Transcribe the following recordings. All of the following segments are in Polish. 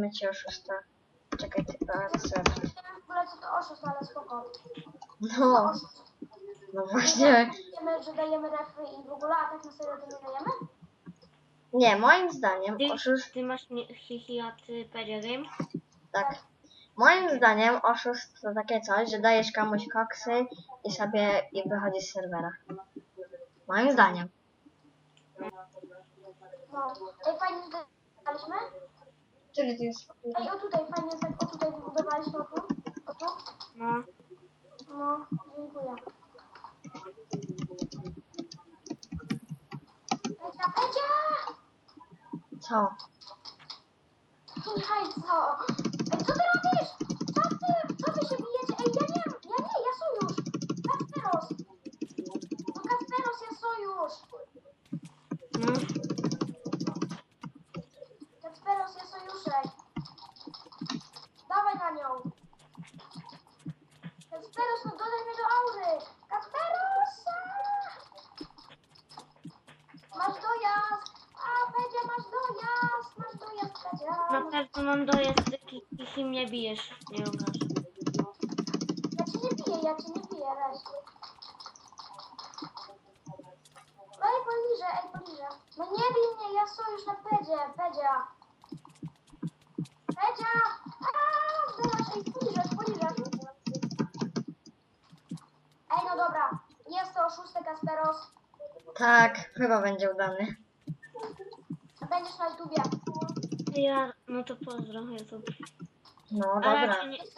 dajemy ci oszusta. Czekaj, ty serwer. Nie wiem w ogóle co to oszust, ale spoko. No, no właśnie. Wiemy, że dajemy refy i w ogóle, a tak na serio to nie dajemy? Nie, moim zdaniem oszust... Ty masz hihi, a ty Pedia Game? Tak. Moim zdaniem oszust to takie coś, że dajesz komuś koksy i wychodzisz z serwera. Moim zdaniem. No. Ej, fajnie zdaliśmy? Który to jest? Ej, o tutaj, fajnie, tak, o tutaj wybudowaliśmy, o tu. O tu. No. No, dziękuję. Pecia! Co? Słuchaj, co? Ej, co ty robisz? Co wy się bijecie? Ej, ja sojusz! Kasperos! No Kasperos, ja sojusz! No. Kasperos, ja sojuszek! Dawaj na nią! Kasperos, no dodaj mnie do aury! Kasperos! Masz dojazd! A, Pedzia, masz dojazd! Masz dojazd, Pedzia! Na pewno mam dojazd, ty hihi mnie bijesz. Nie obraż. Ja cię nie biję, weź. Ej, poliżę. No nie bij mnie, ja sojusz na Pedzie, Pedzia. Pedzia! Aaa, zdylasz, ej, poliżesz. Ej, no dobra, jest to oszustek Kasperos. Tak, chyba będzie udany. Będziesz na YouTubie. No to pozdro, YouTube. No A dobra.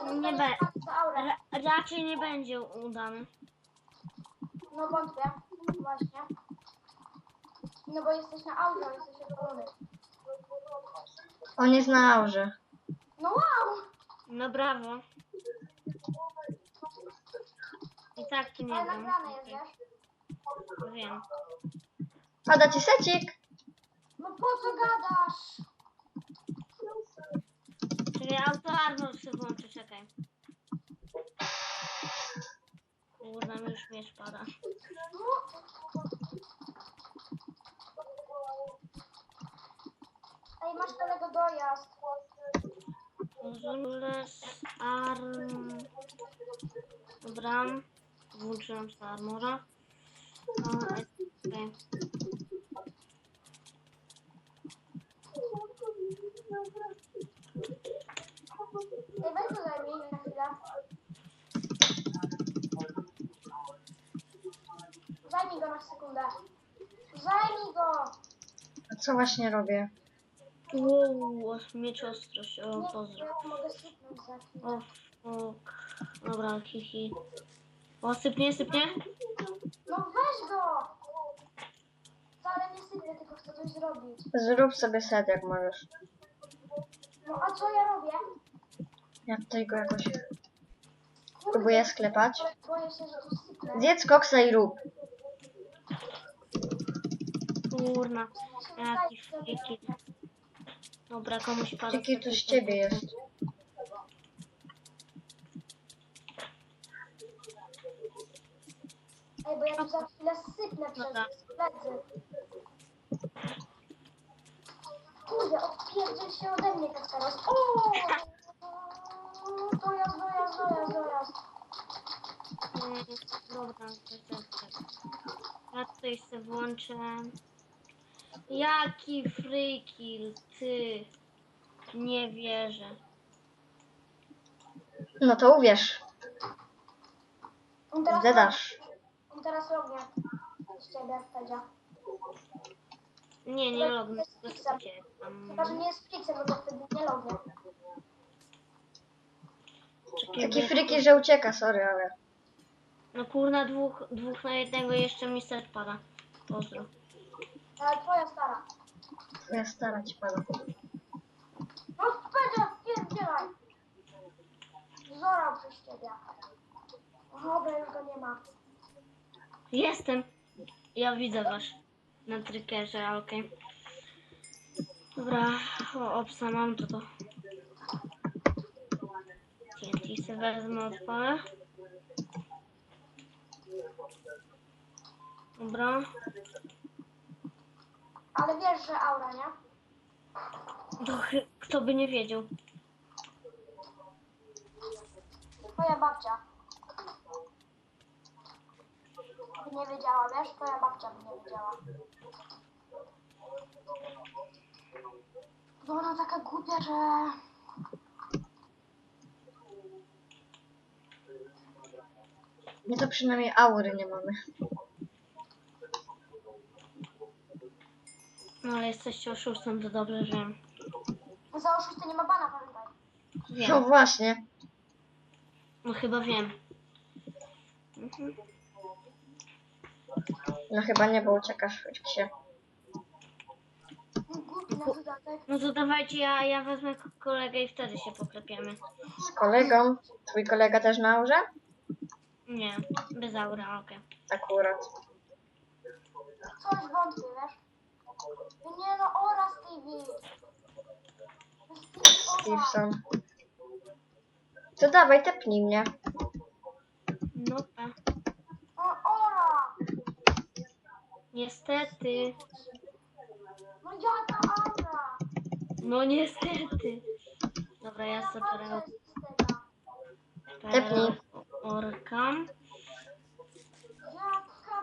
raczej nie będzie udany. No wątpię, właśnie. No bo jesteś na audio, jesteś odpalony. On jest na aurze. No wow! No brawo. I tak tu nie Ale wiem. nagrane jest, wiesz? Wiem. Pada ci secik. No po co gadasz? Czyli auto armor sobie włączę, czekaj. Kurna, mi już miecz pada. Ej, masz kolego dojazd. Zules arm... Dobra. Włączyłam sobie armora. Okay. Ej, weź go zajmij na chwilę. Zajmij go na sekundę. Zajmij go! A co właśnie robię? Wow, miecz ostrość, o Nie, pozdro. ja mogę sypnąć za chwilę. O fuck. Dobra, hihi. O, sypnie? No weź go! Wcale nie sypię, tylko chcę coś zrobić. Zrób sobie set jak możesz. No a co ja robię? Ja tutaj go jakoś Kurde, próbuję sklepać. boję się, że coś sypnę. Zjedz koksa i rób. Kurna, jaki friki. Dobra, komuś pada. Jaki tu z ciebie jest? Ej, bo ja tu za chwilę sypnę Dobra. przez plecy. Kurde, odpierdziel się ode mnie, Kasperos. O! Dojazd. Dobra, tak. Ja tutaj sobie włączę. Jaki frikil, ty. Nie wierzę. No to uwierz. On teraz Zdedasz. On teraz lognie z ciebie, Pedzia. Nie lognę. Chyba, że nie jest fiksem, bo to wtedy nie lognie. Taki friki, że ucieka, sorry, ale... No kurna, dwóch na jednego jeszcze mi set pada. Pozdro. Ale twoja stara. Ja stara ci pada. No Pedzia, pierdzielaj! Zorał przez ciebie. Dobra, już go nie ma. Jestem. Ja widzę was. Na trickerze, okej. Dobra, obsa mam to. TNT se wezmę, odpalę. Dobra. Ale wiesz, że aura, nie? Kto by nie wiedział? Twoja babcia. By nie wiedziała, wiesz? Twoja babcia by nie wiedziała. Bo ona taka głupia, że... My to przynajmniej aury nie mamy. No ale jesteście oszustem, to dobrze, że Za oszustę nie ma bana, pamiętaj. No wiem. właśnie. No chyba wiem. Mhm. No chyba nie, bo uciekasz, choć się. Głupi na dodatek. No to dawajcie, ja wezmę kolegę i wtedy się poklepiemy. Z kolegą. Twój kolega też na aurze? Nie, bez aura, okej. Akurat. Coś wątpię, wiesz? Nie no, ora Stevie. Stevenson. To dawaj, tepnij mnie. No tak. Ora! Niestety. No jaka aura! No niestety. Dobra, ja sobie Babcia jest z tego. Tepnij. orka. Jaka...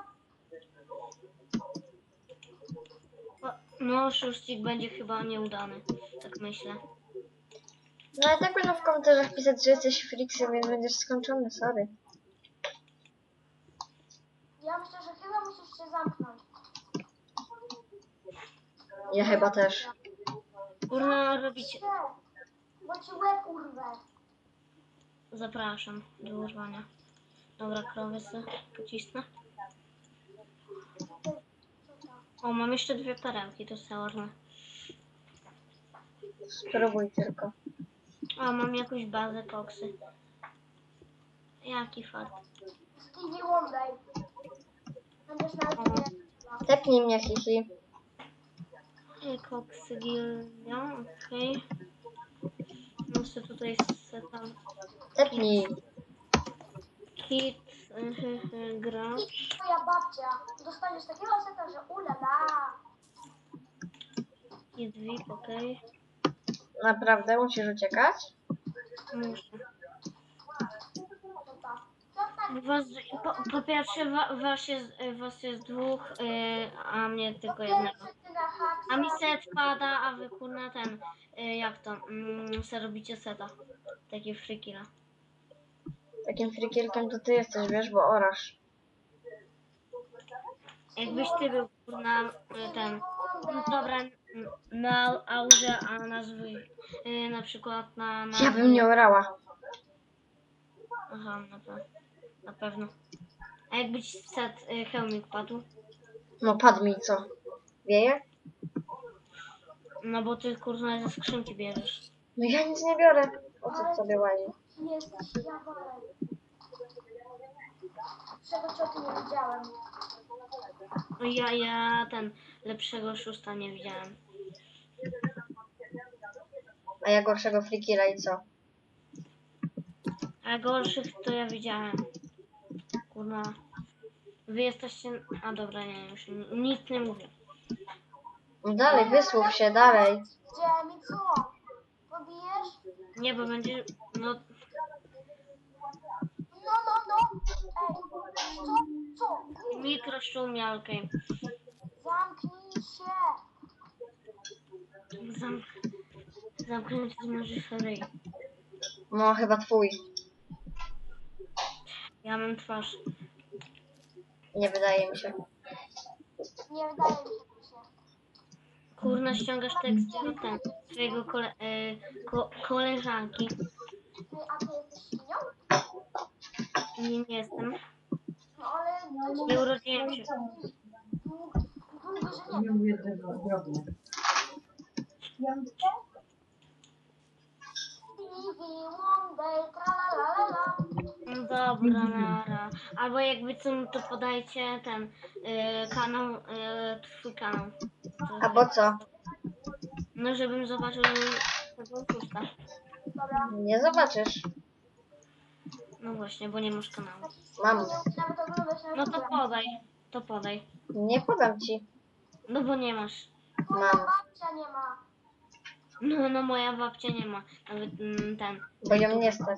No, szóstik będzie chyba nieudany. Tak myślę. No i tak będą w komentarzach pisać, że jesteś friksem, więc będziesz skończony, sorry. Ja myślę, że chyba musisz się zamknąć. Ja chyba też. Kurna, robić. Bo ci łeb urwę. Zapraszam do urwania. Dobra, krowy sobie pocisnę. O, mam jeszcze 2 perełki, to są. Spróbuj tylko. O, mam jakąś bazę koksy. Jaki fart. Stevie Wonder. Będziesz na YouTubie. Tepnij mnie, hihi. Koksy gildia, okej. Muszę tutaj setam. Tepnij. Kit, gra. I twoja babcia. Dostaniesz takiego seta, że ulala. Kit VIP, okej. Naprawdę musisz uciekać? Muszę. To ta. To tak. Po pierwsze, was jest 2, a mnie tylko jednego. Pierwszy ty na hak. A mi set pada, a wy kurna ten, jak to, se robicie seta. Takie frikila. Takim frikierkiem to ty jesteś, wiesz, bo orasz. Jakbyś ty był kurna ten, no dobra, na aurze, a nazwy na przykład na... Ja bym nie orała. Aha, na pewno. A jakby ci set hełmik padł? No padł mi co? Wieje? No bo ty kurna ze skrzynki bierzesz. No ja nic nie biorę. O co sobie łazi? Jesteś jaworem. Czego cię o tym nie widziałem. No ja ten lepszego szósta nie widziałem. A ja gorszego frikira i co? A gorszych to ja widziałem. Kurna. Wy jesteście... A dobra, nie, już nic nie mówię. No dalej, wysłów się, dalej. Gdzie mi co? Pobijesz? Nie, bo będzie... No, No. Ej, co? mikroszumia, okej. Zamknij się. Zamknąć możesz ryj. No chyba twój. Ja mam twarz. Nie wydaje mi się. Nie wydaje mi się. Kurna, ściągasz tekst do ten, swojego koleżanki. A ty jesteś świnią? Nie jestem. No ale... to Nie urodziłem się. Długo, że nie. Nie mówię tego drobne. Stevie Wonder, tralalala. No dobra, nara. Albo jakby co, no to podajcie ten kanał, twój kanał. A po co? No żebym zobaczył tego pusta. Dobra. Nie zobaczysz. No właśnie, bo nie masz kanału. Mam. Nie umiem nawet oglądać na No to YouTubie. podaj. To podaj. Nie podam ci. No bo nie masz. Moja Mam. babcia nie ma. No moja babcia nie ma. Nawet ten. Bo ją nie stać.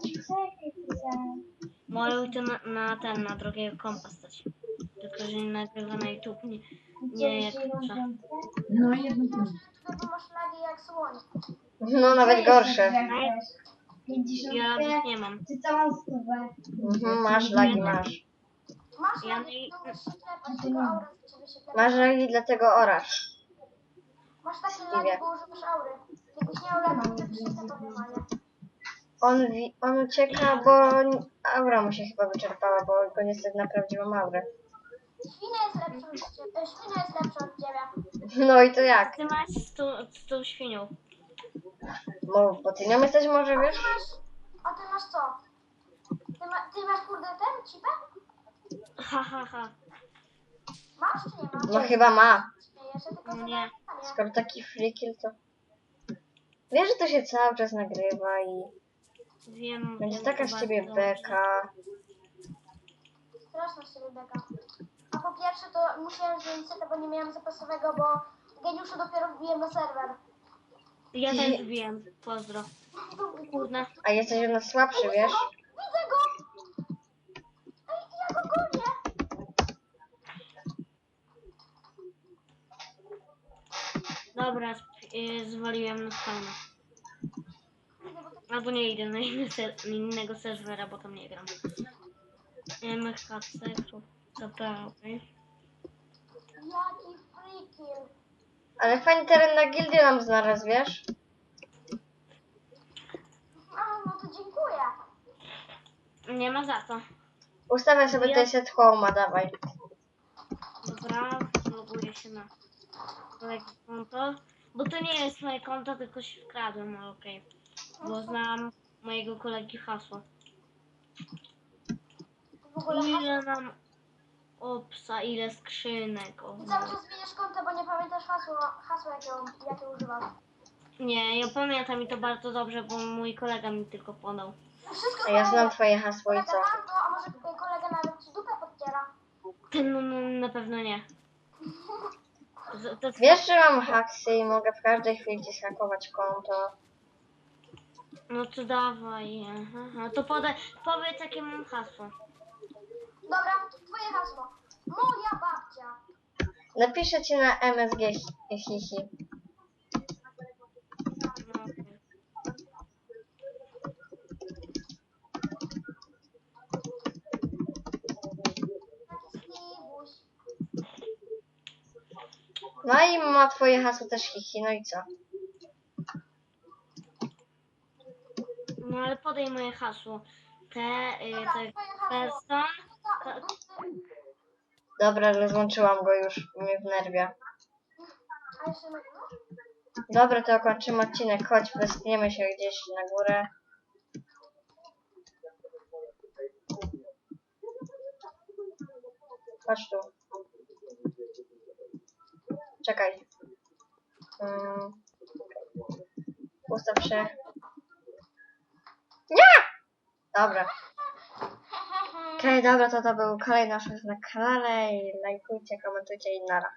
Mają to na drogiego kompa stać. Tylko, że nie nagrywa na YouTube. Nie jak trzeba. No jedno Ty masz lagi jak słoń. No nawet gorsze. Ja lagów nie mam. Ty całą stówę. Masz lagi, masz. Masz Ja lagi, nie- to musisz się klepać, tylko aura z ciebie się klepa. Masz lagi, dlatego orasz. Masz takie Stevie. lagi, bo używasz aury. Jakbyś nie miał lagi, to byś się klepał normalnie. On ucieka, bo aura mu się chyba wyczerpała, bo go nie stać na prawdziwą aurę. Świnia jest lepsza od ciebie. Świnia jest lepsza od ciebie. No i to jak? Ty masz z tą świnią. Bo ty nią jesteś może, wiesz? A ty masz co? Ty masz kurde ten chipę? Ha. Masz czy nie masz? No chyba ma. Śmiejesz się, tylko Nie. nie. Skoro taki freakill, to... Wiesz, że to się cały czas nagrywa i Wiem. będzie wiem taka z bardzo ciebie dobrze. beka. Straszna z ciebie beka. A po pierwsze to musiałem zmienić setę, bo nie miałem zapasowego, bo geniuszu dopiero wbiłem na serwer. Ja też wiem. Pozdro. Kurna. A jesteś od nas słabszy, wiesz? Widzę go! Ej, ja go gonię! Dobra, zwaliłem na spawna. Albo nie idę na innego serwera, bo tam nie gram. MHC, dobra, okej. Jaki freakill! Ale fajny teren na gildię nam znalazł, wiesz? A, no to dziękuję. Nie ma za to. Ustawię sobie ten set home'a, dawaj. Dobra, loguję się na kolegi konto. Bo to nie jest moje konto, tylko się wkradłem, ale okej. Bo znam mojego kolegi hasło. W ogóle Ile nam opsa, ile skrzynek. O, I cały czas zmieniasz konto, bo nie pamiętasz hasła jakie używasz. nie, ja pamiętam i to bardzo dobrze, bo mój kolega mi tylko podał. Wszystko A ja znam twoje hasło i kolega co? ma, no, a może kolega nawet ci dupę podciera. No, na pewno nie. To Wiesz, że mam haksy i mogę w każdej chwili ci zhakować konto. No to dawaj. Aha. To powiedz jakie mam hasło. Dobra, twoje hasło. Moja babcia. Napiszę ci na MSG hihi. No, okej. Taki Steve'uś. No i ma twoje hasło też hihi, no i co? No ale podaj moje hasło. Dobra, To jest twoje hasło. person. Ta- Dobra, rozłączyłam go już, mnie wnerwia. A jeszcze na no? Dobra, to kończymy odcinek, chodź, westniemy się gdzieś na górę. Chodź tu. Czekaj. Ustaw się. Nie! Dobra. Okej, dobra, to był kolejny nasz na kanale i lajkujcie, komentujcie i nara.